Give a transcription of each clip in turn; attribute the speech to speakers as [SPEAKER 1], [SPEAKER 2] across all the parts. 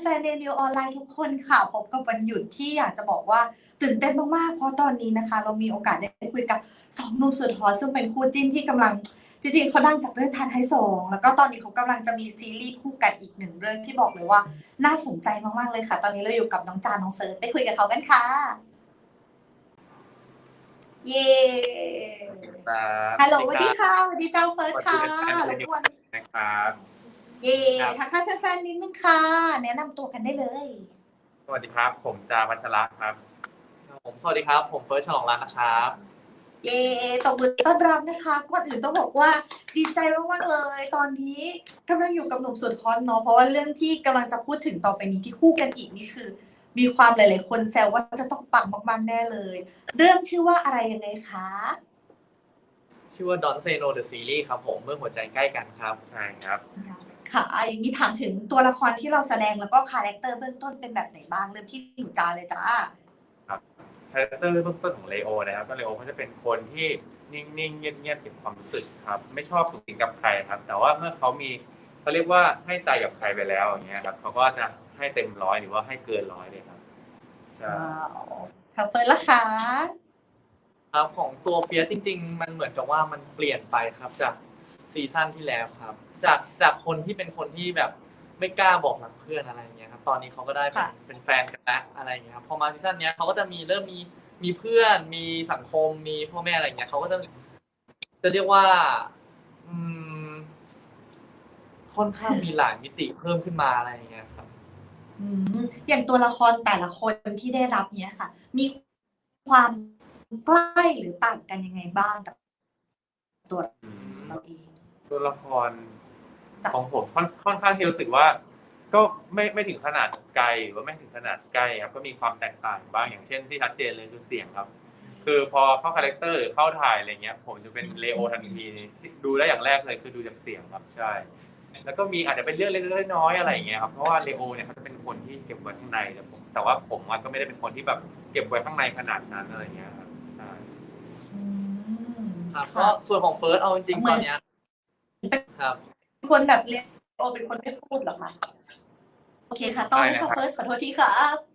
[SPEAKER 1] ฟนๆเรดิโอออนไลน์ทุกคนค่ะพบกับวันหยุดที่อยากจะบอกว่าตื่นเต้นมากๆเพราะตอนนี้นะคะเรามีโอกาสได้คุยกับ2หนุ่มสุดฮอตซึ่งเป็นคู่จิ้นที่กำลังจริงๆเขาดังจากเรื่องทานไทยสงแล้วก็ตอนนี้เขากำลังจะมีซีรีส์คู่กันอีกหนึ่งเรื่องที่บอกเลยว่าน่าสนใจมากๆเลยค่ะ ตอนนี้เราอยู่กับน้องจาน้องเฟิร์สไปคุยกับเขากันค่ะเย้ฮัลโหลสวัสดีค่ะสวัสดีเจ้าเฟิร์สค่ะรบกวน
[SPEAKER 2] นะครับ
[SPEAKER 1] เย่ทักทายแฟนๆนิดนึงค่ะแนะนำตัวกันได้เลย
[SPEAKER 2] สวัสดีครับผมจาวัชระครับ
[SPEAKER 3] ผมสวัสดีครับผมเฟิร์สฉลองรัตน์นะครับ
[SPEAKER 1] เย่ตบมือต้อนรับนะคะก่อนอื่นต้องบอกว่าดีใจมากๆเลยตอนนี้กำลังอยู่กับหนุ่มสุดฮอตเนาะเพราะว่าเรื่องที่กำลังจะพูดถึงต่อไปนี้ที่คู่กันอีกนี่คือมีความหลายๆคนแซวว่าจะต้องปังมากๆแน่เลยเรื่องชื่อว่าอะไรยังไงคะ
[SPEAKER 3] ชื่อว่า Don't Say No The Series ครับผมเมื่อหัวใจใกล้กันครับ
[SPEAKER 2] ใช่ครับ
[SPEAKER 1] ค่ะอย่างนี้ถามถึงตัวละครที่เราแสดงแล้วก็คาแรคเตอร์เบื้องต้นเป็นแบบไหนบ้างเริ่มที่หนูจาเลยจ้า
[SPEAKER 2] ครับคาแรคเตอร์เบื้องต้นของเลโอนะครับก็เลโอเขาจะเป็นคนที่นิ่งๆเงียบๆเก็บความรู้สึกครับไม่ชอบสุขสิงกับใครครับแต่ว่าเมื่อเขาเรียกว่าให้ใจกับใครไปแล้วอย่างเงี้ยครับเขาก็จะให้เต็มร้อยหรือว่าให้เกินร้อยเลยครับใช่
[SPEAKER 1] ค่ะเฟิร์นละคะ
[SPEAKER 3] ครับของตัวเฟียสจริงๆมันเหมือนกับว่ามันเปลี่ยนไปครับจากซีซั่นที่แล้วครับจากคนที่เป็นคนที่แบบไม่กล้าบอกรักเพื่อนอะไรอย่างเงี้ยครับตอนนี้เขาก็ได้เป็นแฟนกันแล้วอะไรอย่างเงี้ยครับพอมาซีซั่นนี้เขาก็จะเริ่มมีเพื่อนมีสังคมมีพ่อแม่อะไรอย่างเงี้ยเขาก็จะเรียกว่าอืมค่อนข้างมีหลายมิติเพิ่มขึ้นมาอะไรอย่างเงี้ยครับ
[SPEAKER 1] อย่างตัวละครแต่ละคนที่ได้รับเนี้ยค่ะมีความใกล้หรือต่างกันยังไงบ้างกับตัวเราเอง
[SPEAKER 2] ตัวละครของผมค่อนข้างที่รู้สึกว่าก็ไม่ถึงขนาดไกลหรือว่าไม่ถึงขนาดใกล้ครับก็มีความแตกต่างบ้างอย่างเช่นที่ชัดเจนเลยคือเสียงครับคือพอเข้าคาแรคเตอร์หรือเข้าถ่ายอะไรเงี้ยผมจะเป็นเลโอทันทีดูได้อย่างแรกเลยคือดูจากเสียงครับใช่แล้วก็มีอาจจะเป็นเรื่องเล็กๆน้อยๆอะไรอย่างเงี้ยครับเพราะว่าเลโอเนี่ยเขาจะเป็นคนที่เก็บไว้ข้างในแต่ว่าผมก็ไม่ได้เป็นคนที่แบบเก็บไว้ข้างในขนาดนั้นอะไรเงี้ยครับใช่
[SPEAKER 3] ครับก็ส่วนของเฟิร์สเอาจริงๆตอนเนี้ยครับ
[SPEAKER 1] คนแบบเลโอเป็นคนไม่พูดหรอคะโอเคค่ะต้องค่ะเฟิร์สขอโทษทีค่ะ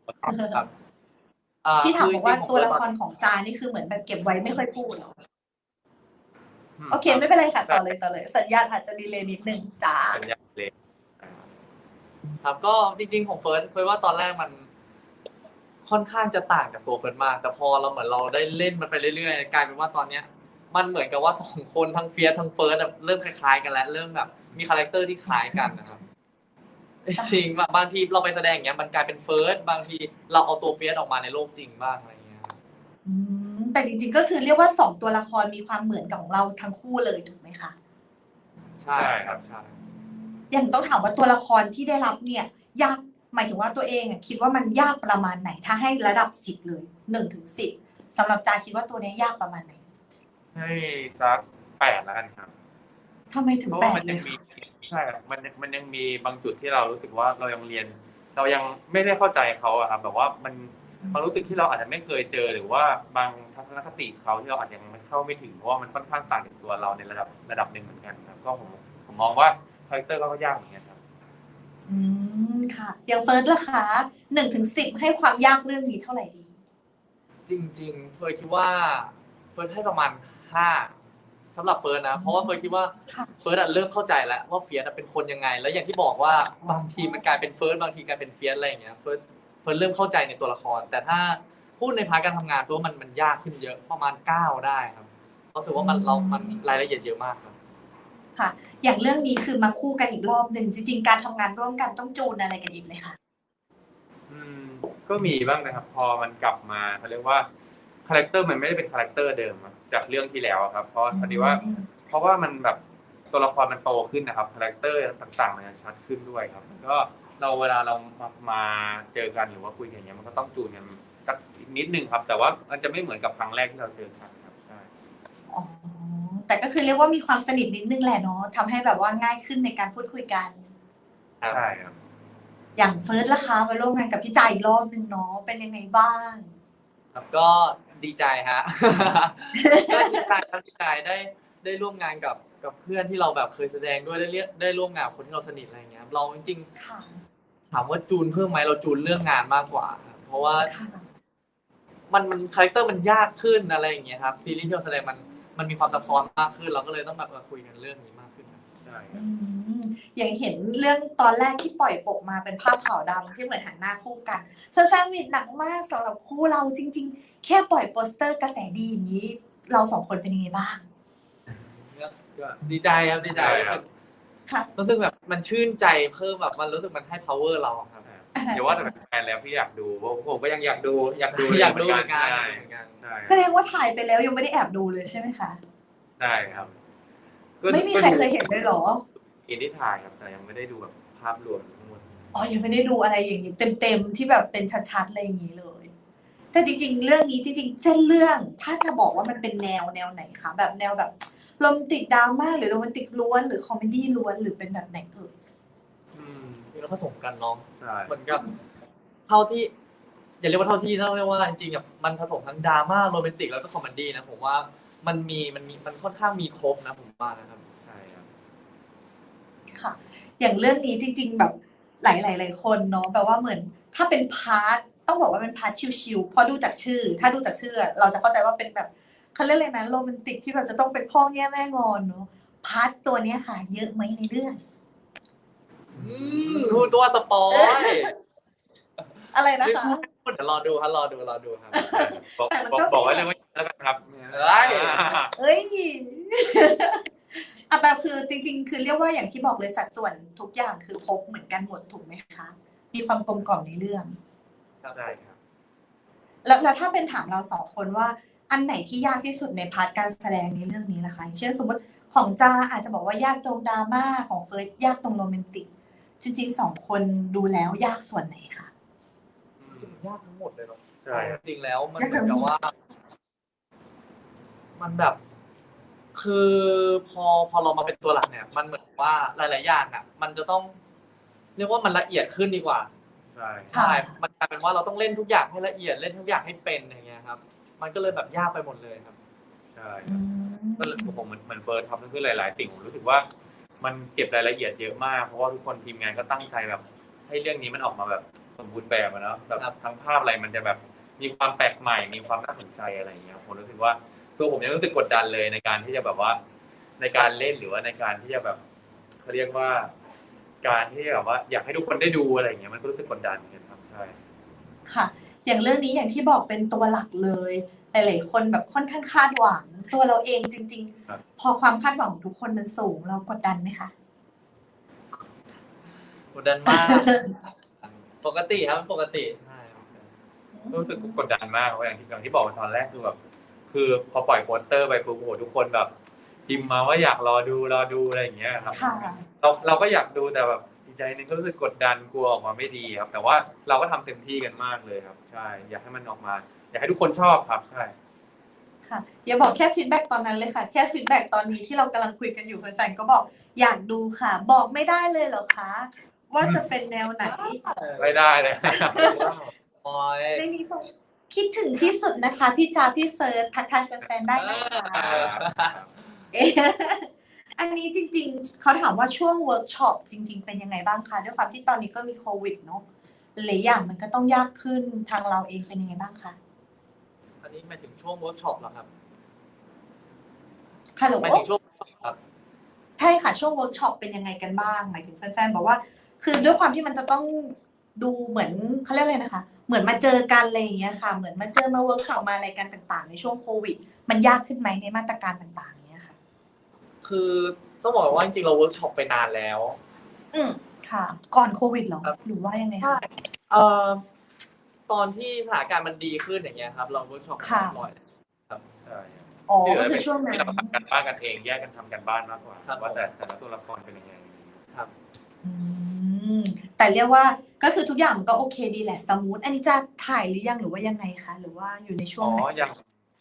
[SPEAKER 1] ที่ถามบอกว่าตัวละครของจานี่คือเหมือนแบบเก็บไว้ไม่ค่อยพูดหรอโอเคไม่เป็นไรค่ะต่อเลยสัญญาณอาจจะดีเลย์นิดนึงจ้า
[SPEAKER 2] สัญญาณเลย
[SPEAKER 3] ครับก็จริงๆของเฟิร์สว่าตอนแรกมันค่อนข้างจะต่างจากตัวเฟิร์สมากแต่พอเราเหมือนเราได้เล่นมันไปเรื่อยๆกลายเป็นว่าตอนเนี้ยมันเหมือนกับว่า2คนทั้งเฟียสทั้งเฟิร์สเริ่มคล้ายๆกันแล้วเริ่มแบบมีคาแรคเตอร์ที่คล้ายกันนะครับจริงบางทีเราไปแสดงอย่างเงี้ยมันกลายเป็นเฟิร์สบางทีเราเอาตัวเฟียสออกมาในโลกจริงบ้างอะไรเงี้ย
[SPEAKER 1] แต่จริงๆก็คือเรียกว่า2ตัวละครมีความเหมือนกับของเราทั้งคู่เลยถูกไหมคะ
[SPEAKER 3] ใช่ครับใช่
[SPEAKER 1] อย่างต้องถามว่าตัวละครที่ได้รับเนี่ยยากหมายถึงว่าตัวเองคิดว่ามันยากประมาณไหนถ้าให้ระดับ10เลย1 ถึง 10สำหรับจาคิดว่าตัวนี้ยากประมาณไหน
[SPEAKER 2] ให้สัก8แล้วกันครับ
[SPEAKER 1] ทำไมถึง8เลยคะ
[SPEAKER 2] ใช่ครับมันยังมีบางจุดที่เรารู้สึกว่าเรายังไม่ได้เข้าใจเขาอะครับแบบว่ามันความรู้สึกที่เราอาจจะไม่เคยเจอหรือว่าบางทัศนคติเขาที่เราอาจจะยังเข้าไม่ถึงเพราะว่ามันค่อนข้างต่างจากตัวเราในระดับหนึ่งเหมือนกันครับก็ผมมองว่าคาแรคเตอร์ก็ยากเหมือนกันครับ
[SPEAKER 1] ค่ะอย่างเฟิร์สล่ะคะ1 ถึง 10ให้ความยากเรื่องนี้เท่าไหร่ดี
[SPEAKER 3] จริงๆเฟิร์สคิดว่าเฟิร์สให้ประมาณ5สำหรับเฟิร์สนะเพราะว่าเฟิร์สคิดว่าเฟิร์สเริ่มเข้าใจแล้วว่าเฟียสเป็นคนยังไงแล้วอย่างที่บอกว่าบางทีมันกลายเป็นเฟิร์สบางทีกลายเป็นเฟียสอะไรอย่างเงี้ยเฟิร์สเริ่มเข้าใจในตัวละครแต่ถ้าพูดในพาร์ทการทำงานเฟิร์สมันยากขึ้นเยอะประมาณ9ได้ครับรู้สึกว่ามันรายละเอียดเยอะมากครับ
[SPEAKER 1] ค่ะอย่างเรื่องนี้คือมาคู่กันอีกรอบหนึ่งจริงๆการทำงานร่วมกันต้องจูนอะไรกันอีกไหมคะ
[SPEAKER 2] ก็มีบ้างนะครับพอมันกลับมาเขาเรียกว่าคาแรคเตอร์มันไม่ได้เป็นคาแรคเตอร์เดิมจากเรื่องที่แล้วครับเพราะว่ามันแบบตัวละครมันโตขึ้นนะครับคาแรคเตอร์ต่างๆมันจะชัดขึ้นด้วยครับก็เวลาเรามาเจอกันหรือว่าคุยกันอย่างเงี้ยมันก็ต้องจูนกันสักนิดนึงครับแต่ว่ามันจะไม่เหมือนกับครั้งแรกที่เราเจอกันครับใช่
[SPEAKER 1] แต่ก็คือเรียกว่ามีความสนิทนิดนึงแหละเนาะทำให้แบบว่าง่ายขึ้นในการพูดคุยกัน
[SPEAKER 2] ใช่ครับ
[SPEAKER 1] อย่างเฟิร์สล่ะคะมาร่วมงานกับพี่จ่ายอีกรอบนึงเนาะเป็นยังไงบ้าง
[SPEAKER 3] ครับก็ดีใจฮะก็ดีใจได้ร่วมงานกับเพื่อนที่เราแบบเคยแสดงด้วยได้ร่วมงานกับคนที่เราสนิทอะไรเงี้ยเราจริงถามว่าจูนเพิ่มไหมเราจูนเรื่องงานมากกว่าครับเพราะว่า
[SPEAKER 1] ค่ะ
[SPEAKER 3] มันคาแรคเตอร์มันยากขึ้นอะไรอย่างเงี้ยครับซีรีส์ที่เราแสดงมันมีความซับซ้อนมากขึ้นเราก็เลยต้องแบบคุยกันเรื่องนี้มากขึ้นครับ
[SPEAKER 2] ใช่ค
[SPEAKER 1] อื
[SPEAKER 2] รับ
[SPEAKER 1] มอย่างเห็นเรื่องตอนแรกที่ปล่อยปกมาเป็นภาพขาวดำที่เหมือนหันหน้าคู่กันแฟนๆมีหนักมากสำหรับคู่เราจริงๆ แค่ปล่อยโปสเตอร์กระแสดีอย่างนี้ เราสองคนเป็นยังไงบ้าง
[SPEAKER 3] ก็ดีใจครับดีใจ
[SPEAKER 2] ใช่ครับ
[SPEAKER 1] ค่ะ
[SPEAKER 3] รู้สึกแบบมันชื่นใจเพิ่มแบบมันรู้สึกมันให้ power เราครับ
[SPEAKER 2] อย่าว่าแต่เป็นแฟนแล้วพี่อยากดูผมก็ยังอยากดูอยากดู
[SPEAKER 3] อยากดูเหมือนกัน
[SPEAKER 2] ใช่
[SPEAKER 3] เหมือนกัน
[SPEAKER 2] ใช่
[SPEAKER 1] แสดงว่าถ่ายไปแล้วยังไม่ได้แอบดูเลยใช่ไหมคะ
[SPEAKER 2] ใช่ครับ
[SPEAKER 1] ไม่มีใครเคยเห็นเลยเหรอ
[SPEAKER 2] อินที่ถ่ายครับแต่ยังไม่ได้ดูแบบภาพรวมทั้งหมด
[SPEAKER 1] อ๋อ ยังไม่ได้ดูอะไรอย่างนี้เต็มๆที่แบบเป็นชัดๆอะไรอย่างนี้เลย แต่จริงๆ เรื่องนี้จริงๆ เส้นเรื่องถ้าจะบอกว่ามันเป็นแนวไหนคะแบบแนวแบบโรแมนติกดราม่าหรือโรแมนติกล้วนหรือคอมเมดี้ล้วนหรือเป็นแบบไหนเอ่ย
[SPEAKER 3] เราผสมกันเนาะ
[SPEAKER 2] ใช่
[SPEAKER 3] เหมือนกับเท่าที่อย่าเรียกว่าเท่าที่ต้องเรียกว่าจริงๆแบบมันผสมทั้งดราม่าโรแมนติกแล้วก็คอมเมดี้นะผมว่ามันค่อนข้างมีครบนะผมว่านะครับ
[SPEAKER 2] ใช่ครับ
[SPEAKER 1] ค่ะ อย่างเรื่องนี้จริง ๆ แบบหลายคนเนาะแบบว่าเหมือนถ้าเป็นพาร์ทต้องบอกว่าเป็นพาร์ทชิลๆพอดูจากชื่อ ถ้าดูจากชื่อ เราจะเข้าใจว่าเป็นแบบเขาเรียกอะไรนะโรแมนติกที่แบบจะต้องเป็นพ่อแง่แม่งอนเนาะพาร์ทตัวเนี้ยค่ะ เยอะไหมในเรื่อง
[SPEAKER 3] ดูตัวสปอย
[SPEAKER 1] อะไรนะ
[SPEAKER 3] ไม่
[SPEAKER 1] คะ
[SPEAKER 3] พูดเดี๋ยวรอดูครับ
[SPEAKER 2] บอก
[SPEAKER 1] แต่มัน
[SPEAKER 2] บอก
[SPEAKER 1] ก็
[SPEAKER 2] บอกไว้เลยว่าแล้วกันครับ
[SPEAKER 1] เอ้ย อ่ะแต่คือจริงๆ คือเรียกว่าอย่างที่บอกเลยสัดส่วนทุกอย่างคือครบเหมือนกันหมดถูกไหมคะ มีความกลมกล่อมในเรื่อง
[SPEAKER 2] ใช่ครับ
[SPEAKER 1] แล้วถ้าเป็นถามเราสองคนว่าอันไหนที่ยากที่สุดในพาร์ทการแสดงในเรื่องนี้นะคะอย่างเช่นสมมติของจาอาจจะบอกว่ายากตรงดราม่าของเฟิร์สยากตรงโรแมนติก จริงๆสองคนดูแล้วยากส่วนไหนคะ
[SPEAKER 3] ยากทั้งหมดเลยเนาะ
[SPEAKER 2] ใช่ครับ
[SPEAKER 3] จริงๆแล้วมันเหมือนกับว่า มันแบบ คือพอเรามาเป็นตัวหลักเนี่ย มันเหมือนว่าหลายๆอย่างอ่ะ มันจะต้อง เรียกว่ามันละเอียดขึ้นดีกว่า
[SPEAKER 2] ใช่
[SPEAKER 3] ใช่ มันกลายเป็นว่าเราต้องเล่นทุกอย่างให้ละเอียดเล่นทุกอย่างให้เป็นอย่างเงี้ยครับ มันก็เลยแบบยากไปหมดเลยครับ
[SPEAKER 2] ใช่ก็ผมเหมือนเฟิร์สครับนั่นคือหลายๆสิ่งผมรู้สึกว่ามันเก็บรายละเอียดเยอะมากเพราะว่าทุกคนทีมงานก็ตั้งใจแบบ ให้เรื่องนี้มันออกมาแบบสมบูรณ์แบบอะเนาะแบบ
[SPEAKER 3] ครับ
[SPEAKER 2] ทั้งภาพอะไรมันจะแบบมีความแปลกใหม่มีความน่าสนใจอะไรอย่างเงี้ยผมรู้สึกว่าตัวผมยังรู้สึกกดดันเลยในการที่จะแบบว่า ในการเล่นหรือว่าในการที่จะแบบเขาเรียกว่า การที่แบบว่าอยากให้ทุกคนได้ดูอะไรอย่างเงี้ยมันก็รู้สึกกดดันเหมือนกันครับใช่
[SPEAKER 1] ค่ะ อย่างเรื่องนี้อย่างที่บอกเป็นตัวหลักเลย หลายๆคนแบบค่อนข้างคาดหวัง ตัวเราเองจริง
[SPEAKER 2] ครับ
[SPEAKER 1] ๆ พอความคาดหวังของทุกคนมันสูงเรากดดันไหมคะ
[SPEAKER 3] กดดันมาก ปกติครับปกติใช่ครับ
[SPEAKER 2] รู้สึกกดดันมากเพราะอย่างที่บอกตอนแรกคือแบบคือพอปล่อยโปสเตอร์ไปคือโอ้โหทุกคนแบบพิมพ์มาว่าอยากรอดูอะไรอย่างเงี้ยครับ
[SPEAKER 1] ค่ะ
[SPEAKER 2] เราก็อยากดูแต่แบบอีกใจหนึงก็รู้สึกกดดันกลัวออกมาไม่ดีครับ แต่ว่าเราก็ทำเต็มที่กันมากเลยครับ ใช่อยากให้มันออกมา อยากให้ทุกคนชอบครับใช่
[SPEAKER 1] ค่ะอย่าบอกแค่ฟีดแบ็กตอนนั้นเลยค่ะ แค่ฟีดแบ็กตอนนี้ที่เรากำลังคุยกันอยู่แฟนๆก็บอกอยากดูค่ะ บอกไม่ได้เลยเหรอคะ ว่าจะเป็นแนวไหน
[SPEAKER 2] ไม่ได้เลย
[SPEAKER 3] โอ้ย
[SPEAKER 1] ในนี้บอกคิดถึงที่สุดนะคะ พี่จาพี่เฟิร์สทักทายแฟนๆได้นะคะเอ๊ะอันนี้จริงๆเขาถามว่าช่วงเวิร์กช็อปจริง ๆ เป็นยังไงบ้างคะด้วยความที่ตอนนี้ก็มีโควิดเนาะหลายอย่างมันก็ต้องยากขึ้นทางเราเองเป็นยังไงบ้างคะ
[SPEAKER 3] อันนี้หมายถึงช่วงเวิร์กช็อปเหรอครับ
[SPEAKER 1] ฮัลโหล
[SPEAKER 3] หมายถึงช่วงครับ
[SPEAKER 1] ใช่ค่ะช่วงเวิร์กช็อปเป็นยังไงกันบ้างหมายถึงแฟนๆบอกว่า คือด้วยความที่มันจะต้องดูเหมือนเขาเรียกอะไรนะคะ เหมือนมาเจอกันอะไรอย่างเงี้ยค่ะ เหมือนมาเจอมาเวิร์กช็อปมาอะไรกันต่างๆ ในช่วงโควิด มันยากขึ้นไหมในมาตรการต่างๆเนี้ยค่ะ
[SPEAKER 3] คือต้องบอกว่าจริงๆเราเวิร์กช็อปไปนานแล้ว
[SPEAKER 1] ค่ะ ก่อนโควิดเหรอ
[SPEAKER 3] ครับ
[SPEAKER 1] หรือว่ายังไง
[SPEAKER 3] ใช่
[SPEAKER 1] คะ
[SPEAKER 3] เอ่อตอนที่สถานการณ์มันดีขึ้นอย่างเงี้ยครับ เราเวิร์กช็อปกัน
[SPEAKER 1] ค่ะ
[SPEAKER 3] บ่อย
[SPEAKER 2] ใช่
[SPEAKER 1] อ๋อก็คือช่วงนั้น
[SPEAKER 2] ที่เราทำกันบ้านกันเองแยกกันทำกันบ้านมากกว่า
[SPEAKER 3] ครับ
[SPEAKER 2] ว่าแต่ละตัวละครเป็นยังไง
[SPEAKER 3] ครับ
[SPEAKER 1] อืมแต่เรียกว่าก็คือทุกอย่างมันก็โอเคดีแหละสมูทอันนี้จะถ่ายหรือยังหรือว่ายังไงคะหรือว่าอยู่ในช่ว
[SPEAKER 2] อ๋
[SPEAKER 1] ง
[SPEAKER 2] อ
[SPEAKER 1] ไหน
[SPEAKER 2] ยัง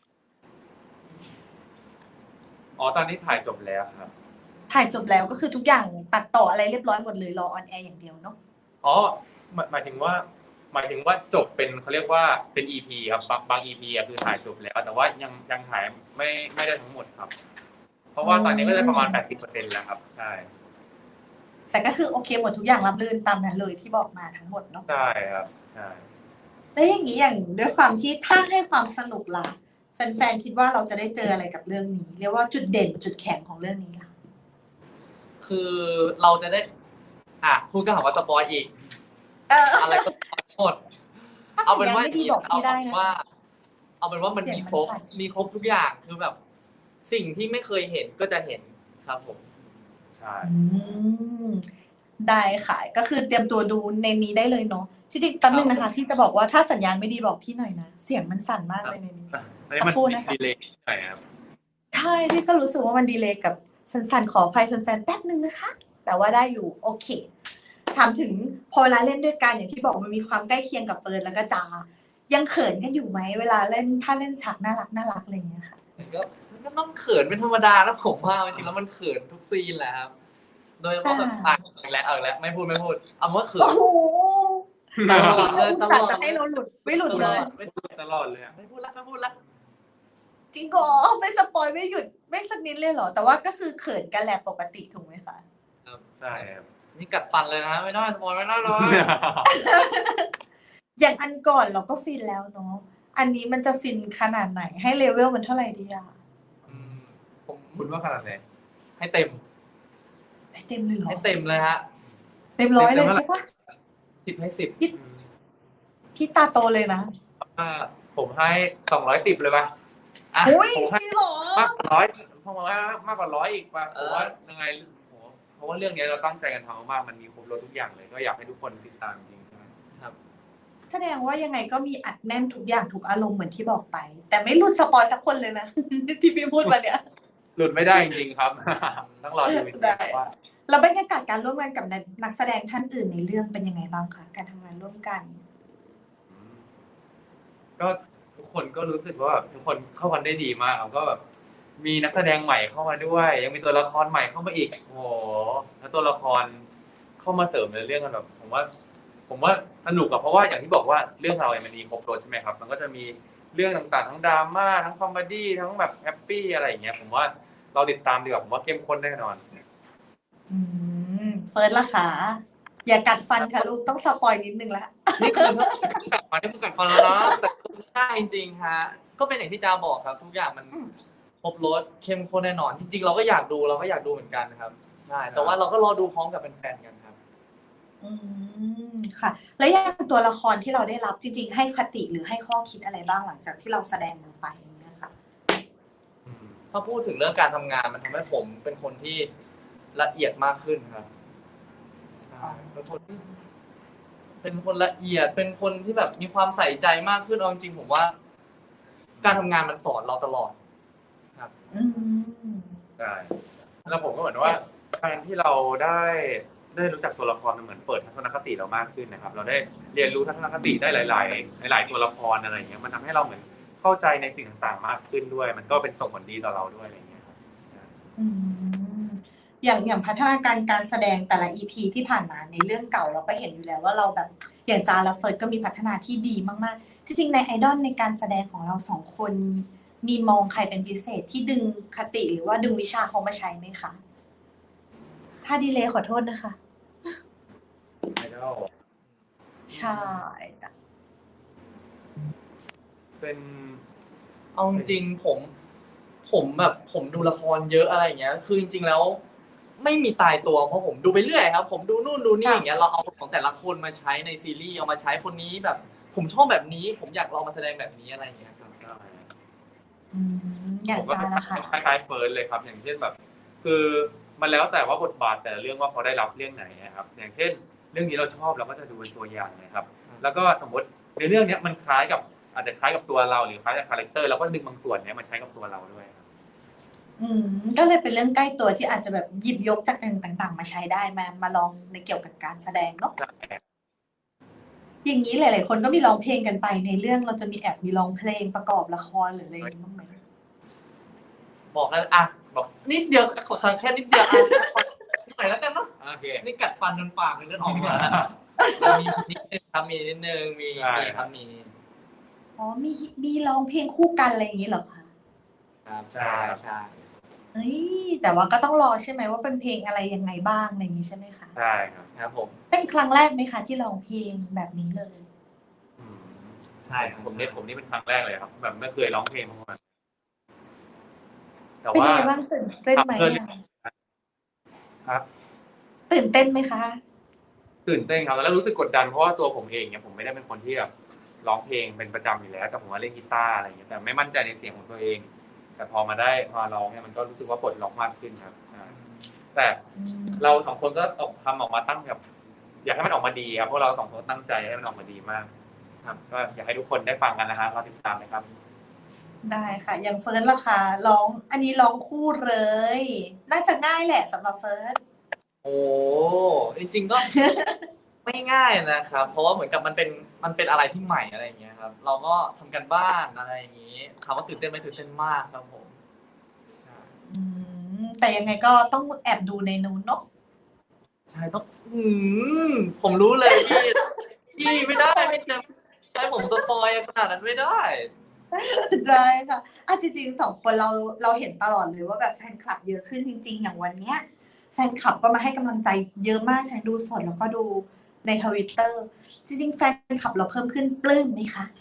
[SPEAKER 2] ตอนนี้ถ่ายจบแล้วครับ
[SPEAKER 1] ถ่ายจบแล้วก็คือทุกอย่างตัดต่ออะไรเรียบร้อยหมดเลยรอออนแอร์อย่างเดียวเนาะ
[SPEAKER 2] อ๋อหมายถึงว่าจบเป็นเขาเรียกว่าเป็น EP ครับบาง EP อ่ะคือถ่ายจบแล้ว แต่ว่ายังถ่ายไม่ได้ทั้งหมดครับ เพราะว่าตอนนี้ก็ได้ประมาณ 80% แล้วครับใช่
[SPEAKER 1] แต่ก็คือโอเคหมดทุกอย่างรับรื่นตามนั้นเลยที่บอกมาทั้งหมดเนาะ
[SPEAKER 2] ใช่ครับใช่
[SPEAKER 1] แล้วอย่างนี้อย่างด้วยความที่ถ้าให้ความสนุกล่ะแฟนๆคิดว่าเราจะได้เจออะไรกับเรื่องนี้เรียกว่าจุดเด่นจุดแข็งของเรื่องนี้ล่ะ
[SPEAKER 3] คือเราจะได้พูดก็หาว่าสปอยอีก อะไรก็สปอยหมด
[SPEAKER 1] ถ้า
[SPEAKER 3] เอา
[SPEAKER 1] สัญ
[SPEAKER 3] เป็น
[SPEAKER 1] ญาณ
[SPEAKER 3] ว่า
[SPEAKER 1] ไม่ดีบอกพี่ได้นะ
[SPEAKER 3] เอาเป็นว่ามัน
[SPEAKER 1] เสียง
[SPEAKER 3] มี
[SPEAKER 1] มัน
[SPEAKER 3] ครบ
[SPEAKER 1] สั่น
[SPEAKER 3] มีครบทุกอย่างคือแบบ สิ่งที่ไม่เคยเห็นก็จะเห็นครับผม
[SPEAKER 2] ใช่
[SPEAKER 1] อืมได้ค่ะ ก็คือเตรียมตัวดูในนี้ได้เลยเนาะจริงๆแป๊บนึงนะคะ พี่จะบอกว่าถ้าสัญญาณไม่ดีบอกพี่หน่อยนะเสียงมันสั่นมากเลยในนี้
[SPEAKER 2] อันนี้มัน
[SPEAKER 1] สักครู่นะคะ
[SPEAKER 2] ดีเลยหน่อยครับ
[SPEAKER 1] ใช่พี่ก็รู้สึกว่ามันดีเลย์กับสั่นๆขออภัยแฟนๆแป๊บนึงนะคะ แต่ว่าได้อยู่โอเคถามถึงพอเวลาเล่นด้วยกันอย่างที่บอกมันมีความใกล้เคียงกับเฟิร์นแล้วก็จายังเขินกันอยู่ไหมเวลาเล่นถ้าเล่นฉากน่ารักอะไรอย่างเงี้ยค่ะ
[SPEAKER 3] ก็ต้องเขินเป็นธรรมดานะผมว่าจริงๆแล้วมันเขินทุกซีนแหละครับ โดยเฉพาะแบบอีกแล้วไม่พูดเอาว่าเขิน
[SPEAKER 1] โอ้โห
[SPEAKER 3] ตลอ
[SPEAKER 1] พี่
[SPEAKER 3] ด
[SPEAKER 1] ก็
[SPEAKER 3] เลย
[SPEAKER 1] อุต
[SPEAKER 3] ต
[SPEAKER 1] ส่า
[SPEAKER 3] ลอ
[SPEAKER 1] ห์
[SPEAKER 3] ด
[SPEAKER 1] จะให้เราหลุดไม่หลุดเลย
[SPEAKER 3] ไม่
[SPEAKER 2] ตลอดเลยอะ
[SPEAKER 3] พูดละ
[SPEAKER 1] จริงเหรอไม่สปอยไม่หยุดไม่สักนิดเลยเหรอ แต่ว่าก็คือเขินกันแหละปกติถูกไหมคะ
[SPEAKER 2] ใช่ครับ
[SPEAKER 3] นี่กัดฟันเลยนะไม่ได้สปอยไม่ได้เลย
[SPEAKER 1] อย่างอันก่อนเราก็ฟินแล้วเนาะอันนี้มันจะฟินขนาดไหนให้เลเวลมันเท่าไหร่ดีอะ
[SPEAKER 3] ผม
[SPEAKER 2] คุณว่าขนาดไหน
[SPEAKER 3] ให้เต็ม
[SPEAKER 1] ให้เต็มเลยเหรอ
[SPEAKER 3] ให้เต็มเลยฮะ
[SPEAKER 1] เต็มร้อยเลยใช่ปะ
[SPEAKER 3] 10 ให้ 10
[SPEAKER 1] พี่ตาโตเลยนะ
[SPEAKER 2] ผมให้210เลยป่ะ
[SPEAKER 3] อ่ะ
[SPEAKER 1] อุ้ย
[SPEAKER 2] ผมให้
[SPEAKER 1] จริงเหรอ
[SPEAKER 2] มากกว่าร้อยผมว่ามากกว่า100อีกป่ะผมว่ายังไงเพราะว่าเรื่องนี้เราตั้งใจกันทำมากๆมันมีครบรถทุกอย่างเลย ก็อยากให้ทุกคนติดตามจริงๆ
[SPEAKER 3] ครับ
[SPEAKER 1] แสดงว่ายังไงก็มีอัดแน่นทุกอย่างทุกอารมณ์เหมือนที่บอกไป แต่ไม่หลุดสปอยสักคนเลยนะ ที่พี่พูดมาเนี่ย
[SPEAKER 2] หลุดไม่ได้จริงๆครับ ต้องรอดูจริง
[SPEAKER 1] ได้
[SPEAKER 2] ๆว่า
[SPEAKER 1] แล้วบรรยากาศการร่วมงานกับนักแสดงท่านอื่นในเรื่องเป็นยังไงบ้างคะการทำงานร่วมกัน
[SPEAKER 2] ก็ทุกคนก็รู้สึกว่าแบบทุกคนเข้ากันได้ดีมากครับก็แบบมีนักแสดงใหม่เข้ามาด้วย ยังมีตัวละครใหม่เข้ามาอีกโอ้โหแล้วตัวละครเข้ามาเสริมในเรื่องกันแบบผมว่าสนุกอะเพราะว่าอย่างที่บอกว่าเรื่องเราเนี่ยมันมีครบรสใช่ไหมครับ มันก็จะมีเรื่องต่างๆทั้งดราม่าทั้งคอมเมดี้ทั้งแบบแฮปปี้อะไรอย่างเงี้ยผมว่าเราติดตามดีกว่าผมว่าเข้มข้นแน่นอน
[SPEAKER 1] เฟิร์สล่ะคะอย่ากัดฟันค่ะลูกต้องสปอยนิดนึงละ
[SPEAKER 3] นี่คือกัดฟันแล้วนะแต่ใช่จริงๆฮะก็เป็นอย่างที่จาบอกครับ ทุกอย่างมันครบรสเข้มข้นแน่นอน จริงๆเราก็อยากดูเหมือนกันครับใช่แต่ว่าเราก็รอดูพร้อมกับแฟนๆกันครับ
[SPEAKER 1] ค่ะ แล้วอย่างตัวละครที่เราได้รับจริงๆให้คติหรือให้ข้อคิดอะไรบ้างหลังจากที่เราแสดงลงไปอย่างเงี้ยค่ะ
[SPEAKER 3] ถ้าพูดถึงเรื่องการทำงานมันทำให้ผมเป็นคนที่ละเอียดมากขึ้นครับเป็นคนละเอียดเป็นคนที่แบบมีความใส่ใจมากขึ้นเอาจริงๆผมว่า การทำงานมันสอนเราตลอดครับ
[SPEAKER 2] ใช่แล้วผมก็เหมือนว่าการที่เราได้รู้จักตัวละครมันเหมือนเปิดทัศนคติเรามากขึ้นนะครับ เราได้เรียนรู้ทัศนคติได้หลายตัวละครอะไรอย่างเงี้ยมันทำให้เราเหมือนเข้าใจในสิ่งต่างๆมากขึ้นด้วย มันก็เป็นส่งผลดีต่อเราด้วยอะไรอย่างเงี้ยครับ
[SPEAKER 1] อย่างพัฒนาการการแสดงแต่ละ EP ที่ผ่านมาในเรื่องเก่าเราก็เห็นอยู่แล้วว่าเราแบบอย่างจาและเฟิร์สก็มีพัฒนาที่ดีมากๆจริงๆในไอดอลในการแสดงของเราสองคนมีมองใครเป็นพิเศษที่ดึงคติหรือว่าดึงวิชาเขามาใช้ไหมคะถ้าดีเลยขอโทษนะคะ
[SPEAKER 2] ไอดอล
[SPEAKER 1] ใช่
[SPEAKER 2] เป็น
[SPEAKER 3] เอาจริงๆผมแบบผมดูละครเยอะอะไรอย่างเงี้ย คือจริงๆแล้ว ไม่มีตายตัวเพราะผมดูไปเรื่อยครับ ผมดูนู่นดูนี่อย่างเงี้ยเราเอาของแต่ละคนมาใช้ในซีรีส์เอามาใช้คนนี้แบบ ผมชอบแบบนี้ ผมอยากลองมาแสดงแบบนี้อะไรอย่างเงี้ยครับ
[SPEAKER 1] อย่าง
[SPEAKER 2] ผมก็
[SPEAKER 1] จาละค่ะ
[SPEAKER 2] คล้ายๆเฟิร์สเลยครับ อย่างเช่นแบบ คือมันแล้วแต่ว่าบทบาทแต่ละเรื่องว่าเขาได้รับเรื่องไหนนะครับ อย่างเช่น เรื่องนี้เราชอบเราก็จะดูเป็นตัวอย่างนะครับ แล้วก็สมมติในเรื่องนี้มันคล้ายกับอาจจะคล้ายกับตัวเราหรือคล้ายกับคาแรคเตอร์เราก็ดึงบางส่วนนี้มาใช้กับตัวเราด้วยครับ
[SPEAKER 1] ก็เลยเป็นเรื่องใกล้ตัวที่อาจจะแบบหยิบยกจากต่างๆมาใช้ได้มาลองในเกี่ยวกับการแสดงเนาะอย่างนี้หลายๆคนก็มีร้องเพลงกันไปในเรื่องเราจะมีแอบมีร้องเพลงประกอบละครหรืออะไรอย่างนี้บ้างไหม
[SPEAKER 3] บอกแล้วบอกนิดเดียวขอสั่งแค่นิดเดียวหน่อยแล้วกันเนาะ
[SPEAKER 2] โอเค
[SPEAKER 3] นี่กัดฟันจนปากเลยเลือดออกมามีนิดนึงครับมีนิดนึงมีครับมี
[SPEAKER 1] อ๋อมีร้องเพลงคู่กันอะไรอย่างนี้เหรอคะ
[SPEAKER 3] ครับใช่
[SPEAKER 1] เฮ้ยแต่ว่าก็ต้องรอใช่ไหมว่าเป็นเพลงอะไรยังไงบ้างอะไรอย่างนี้ใช่ไหมคะ
[SPEAKER 2] ใช่ครับ
[SPEAKER 3] ครับผม
[SPEAKER 1] เป็นครั้งแรกไหมคะที่ร้องเพลงแบบนี้เลย
[SPEAKER 2] อืม
[SPEAKER 3] ใช่ครับ
[SPEAKER 2] ผมนี่เป็นครั้งแรกเลยครับแบบไม่เคยร้องเพลงมาก่อนแต่
[SPEAKER 1] เป็น
[SPEAKER 2] ว่า
[SPEAKER 1] ยังไงบ้างตื่นเต้นไหม
[SPEAKER 2] ทำเพื่อเล่
[SPEAKER 1] อ่ะ
[SPEAKER 2] นครับ
[SPEAKER 1] ตื่นเต้นไหมคะ
[SPEAKER 2] ตื่นเต้นครับแล้วรู้สึกกดดันเพราะว่าตัวผมเองเนี่ยผมไม่ได้เป็นคนที่แบบร้องเพลงเป็นประจำอยู่แล้วแต่ผมว่าเล่นกีตาร์อะไรอย่างเงี้ยแต่ไม่มั่นใจในเสียงของตัวเองแต่พอร้องเนี่ยมันก็รู้สึกว่าปลดล็อกมากขึ้นครับแต่
[SPEAKER 1] อืม
[SPEAKER 2] เราสองคนก็ทำออกมาตั้งแบบอยากให้มันออกมาดีครับเพราะเราสองคนตั้งใจให้มันออกมาดีมากครับก็อยากให้ทุกคนได้ฟังกันนะฮะรอติดตามนะครับ
[SPEAKER 1] ได้ค่ะอย่างเฟิร์สล่ะคะร้องอันนี้ร้องคู่เลยน่าจะง่ายแหละสำหรับเฟิร์ส
[SPEAKER 3] โอ้จริงๆก็ ไม่ง่ายนะครับ เพราะว่าเหมือนกับมันเป็นอะไรที่ใหม่อะไรอย่างเงี้ยครับ เราก็ทำกันบ้านอะไรอย่างงี้ถามว่าตื่นเต้นไหมตื่นเต้นมากครับผมใช่
[SPEAKER 1] อืแต่ยังไงก็ต้องแอบดูในนู้นเนาะ
[SPEAKER 3] ใช่ต้องผมรู้เลยพี่
[SPEAKER 1] ไม่
[SPEAKER 3] ไม่ได้
[SPEAKER 1] สปอย
[SPEAKER 3] ไม่จะให้ผมสปอยขนาดนั้นไม่ได้
[SPEAKER 1] ได้ค่ะจริงๆ2 คนเราเห็นตลอดเลยว่าแบบแฟนคลับเยอะขึ้นจริงๆอย่างวันเนี้ยแฟนคลับก็มาให้กำลังใจเยอะมากทั้งดูสดแล้วก็ดูใน Twitter จริงๆแฟนคลับเราเพิ่มขึ้นปลื้มไหมคะ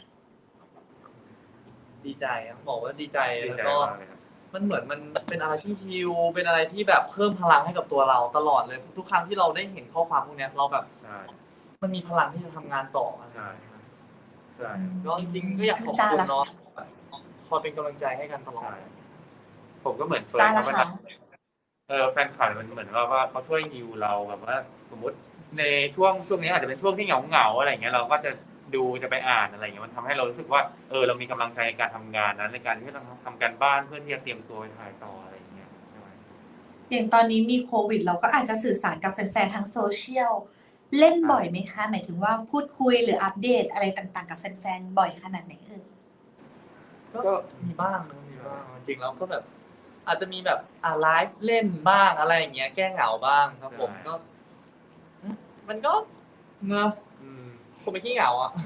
[SPEAKER 3] ดีใจครับบอกว่าดีใจ
[SPEAKER 2] ดีใจ
[SPEAKER 3] แล้วก็
[SPEAKER 2] มากเลยครับ
[SPEAKER 3] มันเหมือนมันเป็นอะไรที่ฮีลเป็นอะไรที่แบบเพิ่มพลังให้กับตัวเราตลอดเลยทุกครั้งที่เราได้เห็นข้อความพวกเนี้ยเราแบบ
[SPEAKER 2] ใช่
[SPEAKER 3] มันมีพลังที่จะทำงานต่ออะไรอย่าง
[SPEAKER 2] ใช่
[SPEAKER 3] เงี้ยครับ
[SPEAKER 2] ใช่
[SPEAKER 3] ก็จริงๆก็อยากขอบ
[SPEAKER 1] จ้า
[SPEAKER 3] คุณ
[SPEAKER 1] ล่ะคะ
[SPEAKER 3] เนาะคอยเป็นกำลังใจให้กันตลอด
[SPEAKER 2] ใช่ผมก็เหมือนเฟิร์
[SPEAKER 1] จ้า
[SPEAKER 2] นเขา
[SPEAKER 1] ล่ะคะ
[SPEAKER 2] เวลาแฟนคลับมันเหมือนว่าเขาช่วยฮีลเราแบบว่าสมมติในช่วงนี้อาจจะเป็นช่วงที่เหงาอะไรอย่างเงี้ยเราก็จะดูจะไปอ่านอะไรอย่างเงี้ยมันทำให้เรารู้สึกว่าเรามีกำลังใจในการทำงานนั้นในการที่จะทำการบ้านเพื่อที่จะเตรียมตัวไปถ่ายต่ออะไรอย่างเงี้ยใช่ไหม
[SPEAKER 1] อย่างตอนนี้มีโควิดเราก็อาจจะสื่อสารกับแฟนๆทางโซเชียลเล่นบ่อยไหมคะหมายถึงว่าพูดคุยหรืออัปเดตอะไรต่างๆกับแฟนๆบ่อยขนาดไหนเอ่ย
[SPEAKER 3] ก็มีบ้างนะมีบ้างจริงๆแล้วก็แบบอาจจะมีแบบไลฟ์เล่นบ้างอะไรอย่างเงี้ยแก้เหงาบ้างครับผมก็มันก็เนอะ
[SPEAKER 2] อืม
[SPEAKER 3] คงไม่ขี้เหงาอ่ะ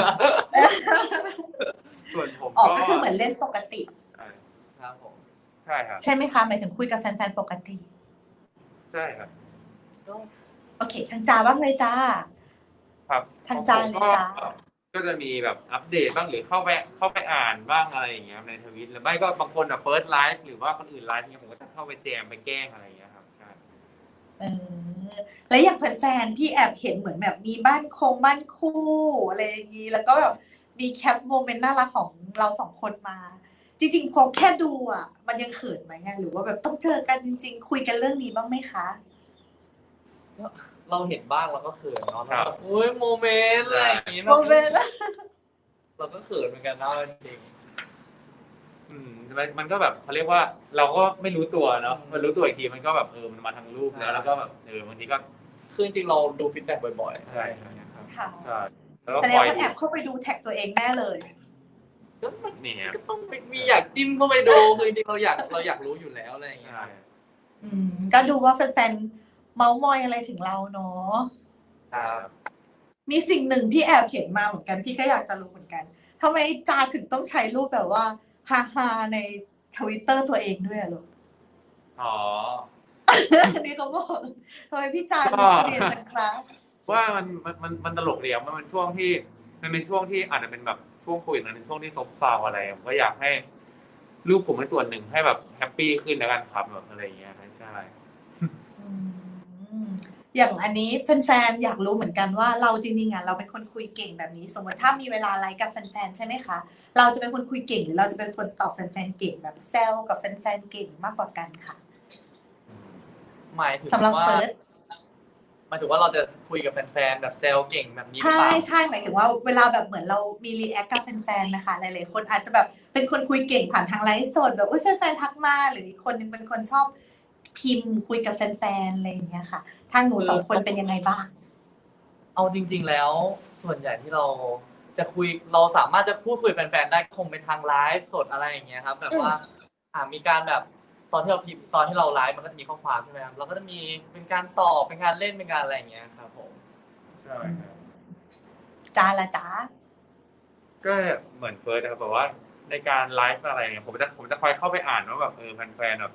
[SPEAKER 2] ส่วนผม
[SPEAKER 1] อ๋อ
[SPEAKER 2] ก็
[SPEAKER 1] ก็คือเหมือนเล่นปกติ
[SPEAKER 2] ใช่
[SPEAKER 3] ครับผม
[SPEAKER 2] ใช่ครับ
[SPEAKER 1] ใช่ไหมคะหมายถึงคุยกับแฟนๆปกติ
[SPEAKER 2] ใช่ครับ
[SPEAKER 3] ก็
[SPEAKER 1] โอเคทางจาบ้างเลยจ้า
[SPEAKER 2] ครับข
[SPEAKER 1] ทางจา
[SPEAKER 2] องผมก็
[SPEAKER 1] เลยจ้า
[SPEAKER 2] ก็จะมีแบบอัปเดตบ้างหรือเข้าไปอ่านบ้างอะไรอย่างเงี้ยในทวิตหรือไม่ก็บางคนเฟิร์สไลฟ์หรือว่าคนอื่นไลฟ์เนี่ยผมก็จะเข้าไปแจมไปแกล้งอะไรอย่างเงี้ยครับใช่
[SPEAKER 1] เออแล้วอย่างแฟนๆพี่แอบเห็นเหมือนแบบมีบ้านคู่อะไรอย่างนี้แล้วก็แบบมีแคปโมเมนต์น่ารักของเรา2 คนมาจริงๆพอแค่ดูอ่ะมันยังเขินไหมอะหรือว่าแบบต้องเจอกันจริงๆคุยกันเรื่องนี้บ้างไหมคะ
[SPEAKER 3] ก็เราเห็นบ้างเราก็เขินเนาะ
[SPEAKER 2] ค
[SPEAKER 3] แล้ว
[SPEAKER 2] รับ
[SPEAKER 3] แบบอุ้ยโมเมนต์อะไร
[SPEAKER 2] ใช่
[SPEAKER 3] อย่างงี้
[SPEAKER 1] โม
[SPEAKER 3] แบบ
[SPEAKER 1] เมนต์
[SPEAKER 3] เราก็เขินเหมือนกันนะจริง
[SPEAKER 2] มันก็แบบเขาเรียกว่าเราก็ไม่รู้ตัวเนาะมันรู้ตัวอีกทีมันก็แบบมันมาทางรูปแล้วก็แบบบางทีก็
[SPEAKER 3] คือจริงๆเราดูฟีดแบ็กบ่อยๆ
[SPEAKER 2] ใช่
[SPEAKER 3] อะไรอย่างเงี้ยครับ
[SPEAKER 1] ค่ะ
[SPEAKER 2] ใช่แล้วก็
[SPEAKER 1] แสด
[SPEAKER 2] คอยดู
[SPEAKER 1] งว่าแอบเข้าไปดูแท็กตัวเองแน่เลย
[SPEAKER 3] ก็มัน
[SPEAKER 2] นี่ครับ
[SPEAKER 3] ก็ต้องมีอยากจิ้มเข้าไปดูคือจริงๆเราอยากรู้อยู่แล้วอะไรอย่างเงี้ย
[SPEAKER 2] ใช่
[SPEAKER 1] ก็ดูว่าแฟนๆเมาส์มอยอะไรถึงเราเนาะ
[SPEAKER 3] ครับ
[SPEAKER 1] มีสิ่งหนึ่งพี่แอบเห็นมาเหมือนกันพี่ก็อยากจะรู้เหมือนกันทำไมจาถึงต้องใช้รูปแบบว่าฮาๆในทวิตเตอร์ตัวเองด้วยอะลูก
[SPEAKER 2] อ๋อ
[SPEAKER 1] อันนี้เขาบอกทำไมพี่จา
[SPEAKER 2] ก็
[SPEAKER 1] ดูเกลียนจังครับ
[SPEAKER 2] ว่ามันตลกเดียวมันเป็นช่วงที่มันเป็นช่วงที่อาจจะเป็นแบบช่วงโควิดมันเป็นช่วงที่ซบเซาอะไรผมก็อยากให้ลูกผมเป็นส่วนหนึ่งให้แบบแฮปปี้ขึ้นแล้วกันครับแบบอะไรอย่างเงี้ยใช่
[SPEAKER 1] อืมอย่างอันนี้แฟนๆอยากรู้เหมือนกันว่าเราจริงๆอ่ะเราเป็นคนคุยเก่งแบบนี้สมมติถ้ามีเวลาไลฟ์กับแฟนๆใช่ไหมคะเราจะเป็นคนคุยเก่งหรือเราจะเป็นคนตอบแฟนๆเก่งแบบแซวกับแฟนๆเก่งมากกว่ากันค่ะ
[SPEAKER 3] หมายถึง
[SPEAKER 1] สำหรับ
[SPEAKER 3] ว่า
[SPEAKER 1] เฟิร์ส
[SPEAKER 3] หมายถึงว่าเราจะคุยกับแฟนๆแบบแซวเก่งแบบนี้หรือ
[SPEAKER 1] ใช่
[SPEAKER 3] เปล่า
[SPEAKER 1] ใช่หมายถึงว่าเวลาแบบเหมือนเรามีรีแอคกับแฟนๆนะคะหลายๆคนอาจจะแบบเป็นคนคุยเก่งผ่านทางไลฟ์สดแบบอุ้ยแฟนๆทักมาหรืออีกคนนึงเป็นคนชอบพิมพ์คุยกับแฟนๆอะไรอย่างเงี้ยค่ะทางหนู
[SPEAKER 3] คือ
[SPEAKER 1] 2 คนเป็นยังไงบ้าง
[SPEAKER 3] เอาจริงๆแล้วส่วนใหญ่ที่เราจะคุยเราสามารถจะพูดคุยกับแฟนๆได้คงเป็นทางไลฟ์สดอะไรอย่างเงี้ยครับแบบว่ามีการแบบตอนที่เราพิมพ์ตอนที่เราไลฟ์มันก็จะมีข้อความใช่ไหมครับเราก็จะมีเป็นการตอบเป็นการเล่นเป็นการอะไรอย่างเงี้ยครับผม
[SPEAKER 2] ใช่ครับ
[SPEAKER 1] จ้าละจ้า
[SPEAKER 2] ก็เหมือนเฟิร์สนะครับแบบว่าในการไลฟ์อะไรเนี่ยผมจะคอยเข้าไปอ่านว่าแบบแฟนๆแบบ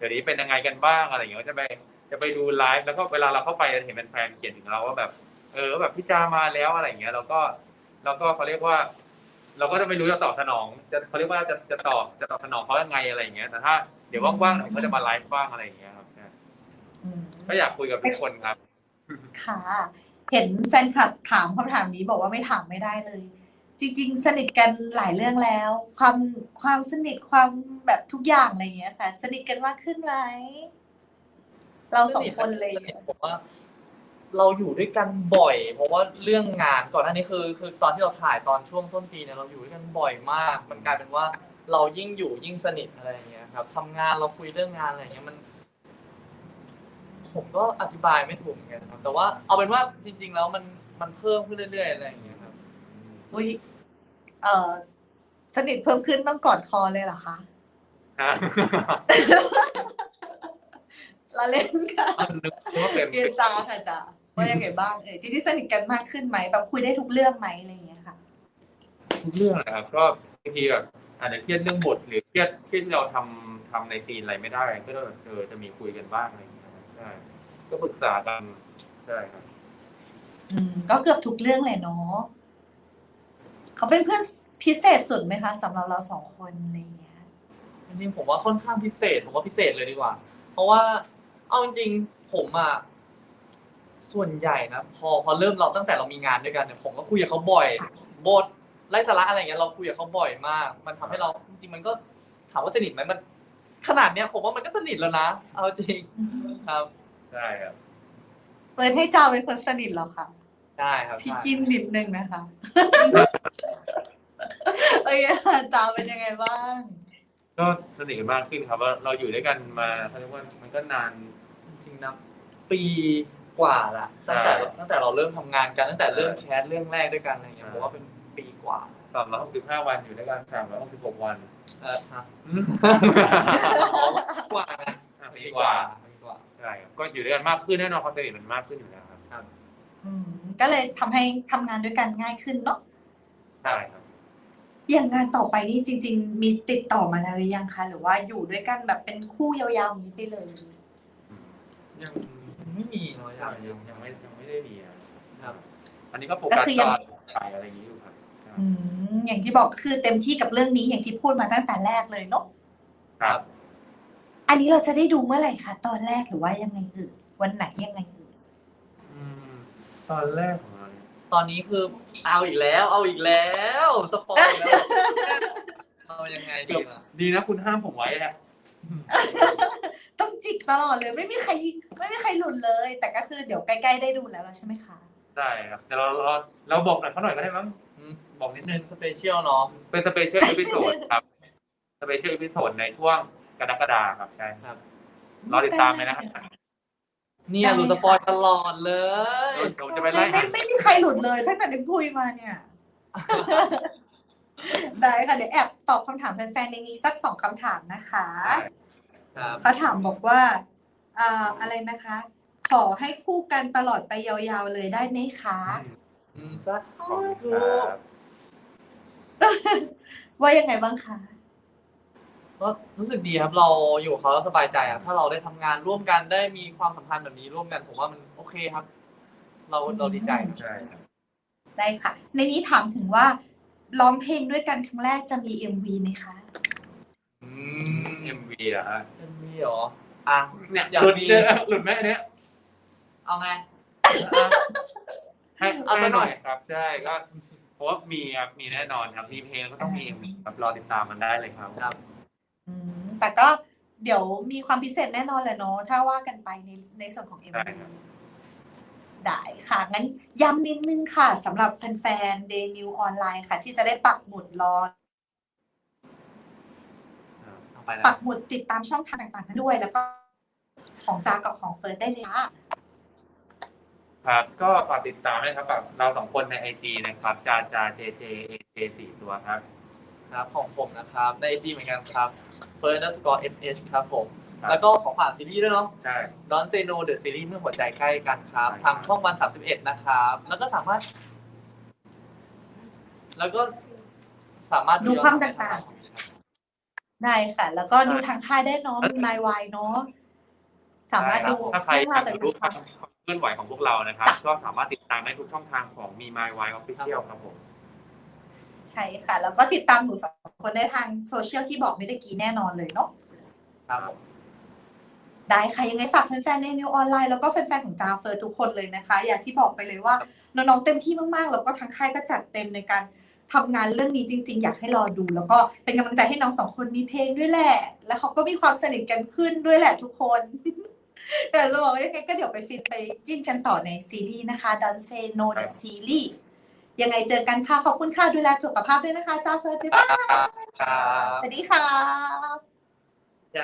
[SPEAKER 2] ดี๋ยวนี้เป็นยังไงกันบ้างอะไรอย่างเงี้ยจะไปดูไลฟ์แล้วก็เวลาเราเข้าไปเห็นแฟนๆเขียนถึงเราว่าแบบแบบพี่จามาแล้วอะไรอย่างเงี้ยเราก็เขาเรียกว่า เราก็จะไม่รู้จะตอบสนองเขาเรียกว่าจะตอบสนองเขายังไงอะไรอย่างเงี้ยแต่ถ้าเดี๋ยวว่างๆผมก็จะมาไลฟ์บ้างอะไรอย่างเงี้ยครับก็อยากคุยกับทุกคนครับ
[SPEAKER 1] ค่ะ เห็นแฟนคลับถามคำถามนี้บอกว่าไม่ถามไม่ได้เลย จริงๆ สนิทกันหลายเรื่องแล้ว ความสนิทความแบบทุกอย่างอะไรอย่างเงี้ยค่ะ สนิทกันมากขึ้นไหมเราสองคนเลย
[SPEAKER 3] ผมว่าเราอยู่ด้วยกันบ่อย เพราะว่าเรื่องงานก่อนหน้านี้คือตอนที่เราถ่ายตอนช่วงต้นปีเนี่ยเราอยู่ด้วยกันบ่อยมาก มันกลายเป็นว่าเรายิ่งอยู่ยิ่งสนิทอะไรอย่างเงี้ยครับทำงานเราคุยเรื่องงานอะไรอย่างเงี้ยผมก็อธิบายไม่ถูกเหมือนกันครับแต่ว่าเอาเป็นว่าจริงๆแล้วมันเพิ่มขึ้นเรื่อยๆอะไรอย่างเงี้ยครับ
[SPEAKER 1] อุ้ยสนิทเพิ่มขึ้นต้องกอดคอเลยเหรอคะเราเล่นค่ะเรียนจาค่ะจ้าว่ายังไงบ้างจริงๆสนิทกันมากขึ้นไหมแบบคุยได้ทุกเรื่องไหมอะไรอย่างเงี้ยค่ะ
[SPEAKER 2] ทุกเรื่องนะครับก็บางทีแบบอาจจะเครียดเรื่องบทหรือเครียดที่เราทำในซีนอะไรไม่ได้ก็จะมีคุยกันบ้างอะไรอย่างเงี้ยใช่ก็ปรึกษากันใช่ครับ
[SPEAKER 1] ก็เกือบทุกเรื่องเลยเนาะเขาเป็นเพื่อนพิเศษสุดไหมคะสำหรับเราสองคนอะไรอย่างเงี้ย
[SPEAKER 3] จริงๆผมว่าค่อนข้างพิเศษผมว่าพิเศษเลยดีกว่า เพราะว่าเอาจริงๆผมอ่ะส่วนใหญ่นะพอเริ่มเราตั้งแต่เรามีงานด้วยกันเนี่ยผมก็คุยกับเขาบ่อยบทไร้สาระอะไรอย่างเงี้ยเราคุยกับเขาบ่อยมาก มันทำให้เราจริงๆมันก็ถามว่าสนิทไหมมันขนาดเนี้ยผมว่ามันก็สนิทแล้วนะเอาจริงครับ
[SPEAKER 2] ใช่ครับ
[SPEAKER 1] เปิดให้จาเป็นคนสนิทเหรอคะ
[SPEAKER 3] ได้ครับ
[SPEAKER 1] พี่จิ้นนิดนึงนะคะโอเคค่ะจาเป็นยังไงบ้าง
[SPEAKER 2] ก็สนิทกันมากขึ้นครับว่าเราอยู่ด้วยกันมาเขาเรียกว่ามันก็นาน
[SPEAKER 3] จริงๆนะปีกว่าละตั้งแต่เราเริ่มทำงานกันตั้งแต่เริ่มแคสเรื่องแรกด้วยกันอะไรอย่างเงี้ยผมว่าเป็นปีกว่า
[SPEAKER 2] 365 วันอยู่ด้วยกัน366 วัน
[SPEAKER 3] ครับกว่านะ
[SPEAKER 2] ปีกว่าใช่ครับก็อยู่ด้วยกันมากขึ้นแน่นอนความสนิทมันมากขึ้นอยู่แล้วครับ
[SPEAKER 1] ก็เลยทำให้ทำงานด้วยกันง่ายขึ้นเนาะ
[SPEAKER 2] ใช่ครับ
[SPEAKER 1] อย่างงานต่อไปนี่จริงๆมีติดต่อมาแล้วหรือยังคะหรือว่าอยู่ด้วยกันแบบเป็นคู่ยาวๆนี้ไปเลย
[SPEAKER 2] ยัง
[SPEAKER 3] ไม่มีเนาะ
[SPEAKER 2] ยังไม่ได้มีครับอันนี้ก็โฟกัสต่อไปอะไรอย่างนี้อยู่ครับ
[SPEAKER 1] อย่างที่บอกคือเต็มที่กับเรื่องนี้อย่างที่พูดมาตั้งแต่แรกเลยเนาะ
[SPEAKER 2] ครับ
[SPEAKER 1] อันนี้เราจะได้ดูเมื่อไหร่คะตอนแรกหรือว่ายังไงวันไหนยังไง
[SPEAKER 2] ตอนแรกของเรา
[SPEAKER 3] ตอนนี้คือเอาอีกแล้วสปอยแล้วเอายังไง
[SPEAKER 2] ดีนะคุณห้ามผมไว้แหละ
[SPEAKER 1] ต้องจิกตลอดเลยไม่มีใครหลุดเลยแต่ก็คือเดี๋ยวใกล้ๆได้ดูแล้วใช่ไหมคะ
[SPEAKER 2] ใช่ครับแต่เราบอกหน่อยเขาหน่อยก็ได้มั้งบอกนิดนึง
[SPEAKER 3] สเปเชียลเนาะ
[SPEAKER 2] เป็นสเปเชียลอีพิโซดครับสเปเชียลอีพิโซดในช่วงกรกฎาคมครับใช่ครับรอติดตามเลยนะครับ
[SPEAKER 3] เนี่ยหลุดสปอยตลอดเลย
[SPEAKER 1] จะไปไล่ไม่มีใครหลุดเลยตั้งแต่ได้พูดมาเนี่ยได้ค่ะเดี๋ยวแอบตอบคำถามแฟนๆในนี้สัก2 คำถามนะคะเขาถามบอกว่าอะไรนะคะ ขอให้คู่กันตลอดไปยาวๆเลยได้ไหมคะ
[SPEAKER 3] สัก
[SPEAKER 1] ว่ายังไงบ้างคะ
[SPEAKER 3] ก็รู้สึกดีครับเราอยู่เขาแล้วสบายใจอ่ะถ้าเราได้ทำงานร่วมกันได้มีความสัมพันธ์แบบนี้ร่วมกันผมว่ามันโอเคครับเราดีใจ
[SPEAKER 2] ใช่
[SPEAKER 1] ได้ค่ะในนี้ถามถึงว่าร้องเพลงด้วยกันครั้งแรกจะมี MV ไหมคะ
[SPEAKER 2] MV เหรอฮะ
[SPEAKER 3] MV เหรออ่ะ
[SPEAKER 2] เนี่ยหลุดไหมอันเนี้ย
[SPEAKER 3] เอาไง
[SPEAKER 2] ให้เอาซะหน่อยครับใช่ก็เพราะว่ามีครับมีแน่นอนครับมีเพลงก็ต้องมี MV ครับรอติดตามมันได้เลยครับ
[SPEAKER 1] แต่ก็เดี๋ยวมีความพิเศษแน่นอนแหละเนาะถ้าว่ากันไปในส่วนของ MV ได้ค่ะงั้นย้ำนิดนึงค่ะสำหรับแฟนๆ Day New ออนไลน์ค่ะที่จะได้ปักหมุดรอปักหมุดติดตามช่องทางต่างๆด้วยแล้วก็ของจากับของเฟิร์สได้เลยค่ะ
[SPEAKER 2] ครับก็ฝากติดตามด้วยครับกับเรา2 คนใน IG นะครับจาJJ AJ 4 ตัวครับ
[SPEAKER 3] ครับของผมนะครับใน IG เหมือนกันครับ first_sh ครับผมแล้วก็ขอฝากซีรีส์ด้วยเนาะ
[SPEAKER 2] ใช่
[SPEAKER 3] Don't Say No The Series เมื่อหัวใจใกล้กันครับทางช่องวัน31นะครับแล้วก็สามารถ
[SPEAKER 1] ดูความต่างได้ค่ะ แล้วก็ดูทางค่ายได้เนาะมี My Why เนาะสามารถดู
[SPEAKER 2] ถ้าใคร
[SPEAKER 1] เรื่องาย ว
[SPEAKER 2] อารก
[SPEAKER 1] แต่
[SPEAKER 2] จะ
[SPEAKER 1] ละ
[SPEAKER 2] รู้
[SPEAKER 1] ค
[SPEAKER 2] ความเคลื่อนไหวของพวกเรานะครับ ก็สามารถติดตามได้ทุกช่องทางของ Me My Why Official ครับผม
[SPEAKER 1] ใช่ค่ะ แล้วก็ติดตามหนูสองคนได้ทางโซเชียลที่บอกเมื่อกี้แน่นอนเลยเนาะ
[SPEAKER 3] ครับ
[SPEAKER 1] ได้ค่ะยังไงฝากแฟนๆในนิวออนไลน์แล้วก็แฟนๆของจาเฟิร์ทุกคนเลยนะคะ อย่างที่บอกไปเลยว่าน้องๆเต็มที่มากๆแล้วก็ทางค่ายก็จัดเต็มในการทำงานเรื่องนี้จริงๆอยากให้รอดู แล้วก็เป็นกำลังใจให้น้องสองคนมีเพลงด้วยแหละ แล้วเขาก็มีความสนิทกันขึ้นด้วยแหละทุกคน แต่จะบอกว่ายังไงก็เดี๋ยวไปฟินไปจิ้นกันต่อในซีรีส์นะคะ Don't Say No The Series ยังไงเจอกันค่ะขอบคุณค่ะดูแลสุขภาพด้วยนะคะจาเฟิร์บ๊ายบาย
[SPEAKER 3] ครับ
[SPEAKER 1] สวัสดีค่ะ